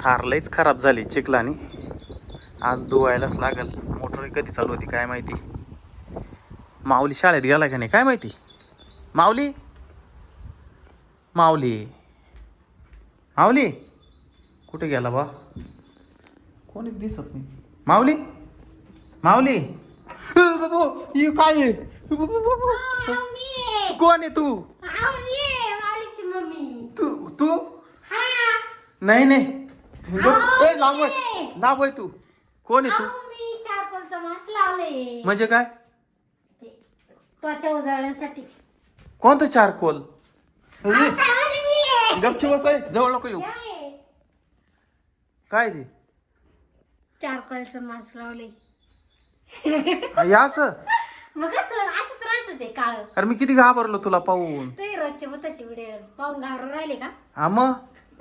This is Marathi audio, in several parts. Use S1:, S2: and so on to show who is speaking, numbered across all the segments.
S1: थार लईच खराब झाली चिखलानी. आज धुवायलाच लागल. मोटर कधी चालू होती काय माहिती. माऊली शाळेत गेला का नाही काय माहिती. माऊली माऊली माऊली कुठे गेला बा. कोणीच दिसत नाही. माऊली माऊली बाबू काय आहे. कोण आहे तू. तू तू नाही नाही लावय तू. कोण आहे तू. म्हणजे काय
S2: त्वचा उजळण्यासाठी.
S1: कोणतं चारकोल. गपची बसाय जवळ नको येऊ. काय ते
S2: चारकोलचं मास्क लावले.
S1: असं
S2: मग असंच राहतं ते काळ.
S1: अरे मी किती घाबरलो तुला पाहून.
S2: ते रोजचे बुताचे व्हिडिओ पाहून घाबरून राहिले का.
S1: हा मग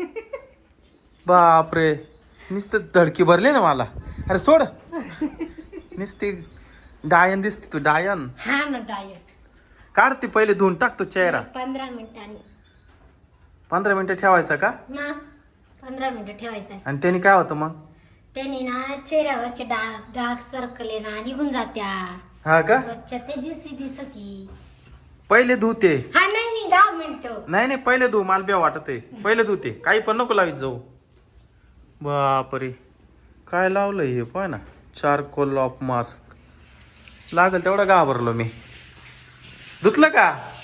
S1: बापरे नुसतं धडकी भरली ना मला. अरे सोड नुसती डायन दिसते तू डायन.
S2: हा ना डायट.
S1: काढते पहिले धुवून टाकतो चेहरा.
S2: 15 मिनिटांनी.
S1: 15 मिनिटं ठेवायचा का.
S2: मग 15 मिनिटं ठेवायचं.
S1: आणि त्याने काय होतं मग.
S2: त्याने ना चेहऱ्यावरचे डार्क सर्कल आहे ना निघून जात्या.
S1: हा का
S2: त्वचा तेजस्वी दिसती.
S1: पहिले धुते.
S2: हा नाही 10 मिनिटं.
S1: नाही पहिले धुव मला बी वाटत आहे. पहिले धुते काही पण नको लावीत जाऊ. बापरे काय लावलंय हे पाय ना. चारकोल ऑफ मास्क लागल तेवढा घाबरलो मी. धुतलं का.